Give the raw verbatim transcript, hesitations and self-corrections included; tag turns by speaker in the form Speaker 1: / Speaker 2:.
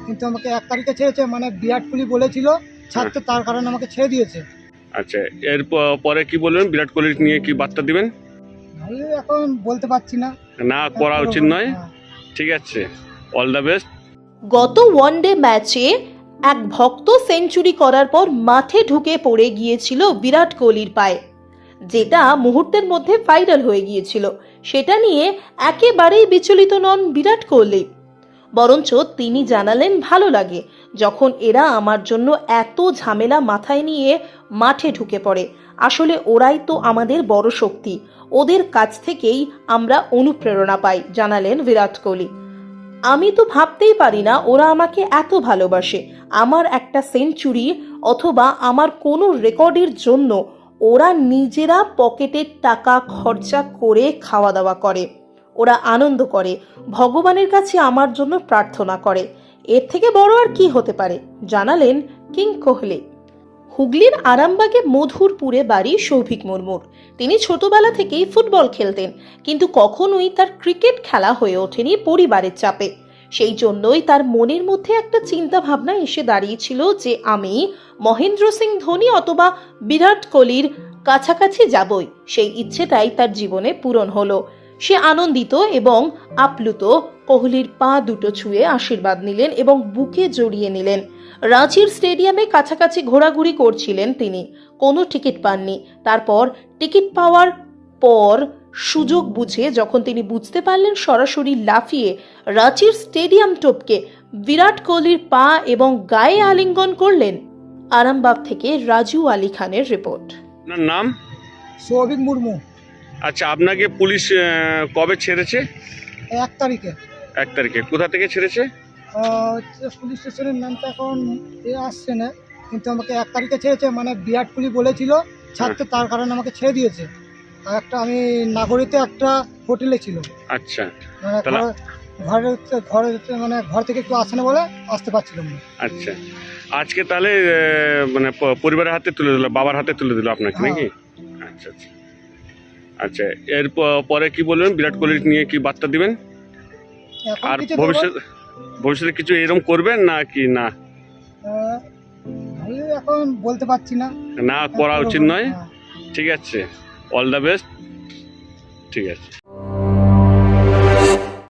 Speaker 1: কিন্তু আমাকে এক তারিখে ছেড়েছে, মানে বিরাট কোহলি বলেছিল ছাড়তে, তার কারণে আমাকে ছেড়ে দিয়েছে।
Speaker 2: আচ্ছা, এর প- পরে কি বলবেন? বিরাট কোহলি নিয়ে কি বার্তা দিবেন?
Speaker 1: আমি এখন বলতে পারছি না।
Speaker 2: না করা উচিত নয়।
Speaker 1: হ্যাঁ।
Speaker 2: ঠিক আছে, অল দ্য বেস্ট।
Speaker 3: গত ওয়ানডে ম্যাচে এক ভক্ত সেঞ্চুরি করার পর মাঠে ঢুকে পড়ে গিয়েছিল বিরাট কোহলির পায়ে, যেটা মুহূর্তের মধ্যে ভাইরাল হয়ে গিয়েছিল। সেটা নিয়ে একেবারেই বিচলিত নন বিরাট কোহলি, বরঞ্চ তিনি জানালেন ভালো লাগে যখন এরা আমার জন্য এত ঝামেলা মাথায় নিয়ে মাঠে ঢুকে পড়ে। আসলে ওরাই তো আমাদের বড় শক্তি, ওদের কাছ থেকেই আমরা অনুপ্রেরণা পাই, জানালেন বিরাট কোহলি। আমি তো ভাবতেই পারি না ওরা আমাকে এত ভালোবাসে। আমার একটা সেঞ্চুরি অথবা আমার কোনো রেকর্ডের জন্য ওরা নিজেরা পকেটের টাকা খরচা করে খাওয়া দাওয়া করে, ওরা আনন্দ করে, ভগবানের কাছে আমার জন্য প্রার্থনা করে। এর থেকে বড় আর কি হতে পারে, জানালেন কিং কোহলি। হুগলির আরামবাগে মধুরপুরে বাড়ি সৌভিক মুর্মুর। তিনি ছোটবেলা থেকেই ফুটবল খেলতেন, কিন্তু কখনোই তার ক্রিকেট খেলা হয়ে ওঠেনি পরিবারের চাপে। সেই জন্যই তার মনের মধ্যে একটা চিন্তা ভাবনা এসে দাঁড়িয়েছিল যে আমি মহেন্দ্র সিং ধোনি অথবা বিরাট কোহলির কাছাকাছি যাবই। সেই ইচ্ছেটাই তার জীবনে পূরণ হলো। সে আনন্দিত এবং আপ্লুত। কোহলির পা দুটো ছুঁয়ে আশীর্বাদ নিলেন এবং বুকে জড়িয়ে নিলেন। রাঁচির স্টেডিয়ামে কাছাকাছি ঘোরাঘুরি করছিলেন তিনি, কোনো টিকিট পাননি। তারপর টিকিট পাওয়ার পর সুযোগ বুঝে যখন তিনি বুঝতে পারলেন, সরাসরি লাফিয়ে রাঁচির স্টেডিয়াম টপকে বিরাট কোহলির পা এবং গায়ে আলিঙ্গন করলেন। আরামবাগ থেকে রাজু আলী খানের রিপোর্ট।
Speaker 2: আপনার নাম?
Speaker 1: সৌভিক মুর্মু।
Speaker 2: আচ্ছা, আপনাকে পুলিশ আহ, কবে ছেড়েছে?
Speaker 1: এক তারিখে।
Speaker 2: এক তারিখে। কোথা থেকে ছেড়েছে?
Speaker 1: আহ, হচ্ছে পুলিশ স্টেশনের নামটা এখন এ আসছে না, কিন্তু আমাকে এক তারিখে ছেড়েছে, মানে বিরাট কোহলি বলেছিল ছাড়তে, তার কারণে আমাকে ছেড়ে দিয়েছে। আর একটা আমি নাগরিতে একটা হোটেলে ছিল,
Speaker 2: আচ্ছা
Speaker 1: মানে
Speaker 2: তাহলে
Speaker 1: ঘরে ঘরে ঘরে মানে ঘর থেকে একটু আসে না বলে আসতে পারছিলাম না।
Speaker 2: আচ্ছা, আজকে তাহলে আহ, মানে প- পরিবারের হাতে তুলে দিল, বাবার হাতে তুলে দিল আপনাকে
Speaker 1: হ্যাঁ।
Speaker 2: নাকি? আচ্ছা আচ্ছা আচ্ছা, এর প- পরে কি বলবেন? বিরাট কোহলি নিয়ে কি বার্তা দিবেন?
Speaker 1: এখন
Speaker 2: আর
Speaker 1: কিছু
Speaker 2: ভবিষ্যৎ ভবিষ্যতে কিছু এরকম করবেন না কি না?
Speaker 1: আহ, আমি এখন বলতে পারছি না।
Speaker 2: না করা উচিত নয়।
Speaker 1: হ্যাঁ।
Speaker 2: ঠিক আছে, অল দ্য বেস্ট। ঠিক আছে।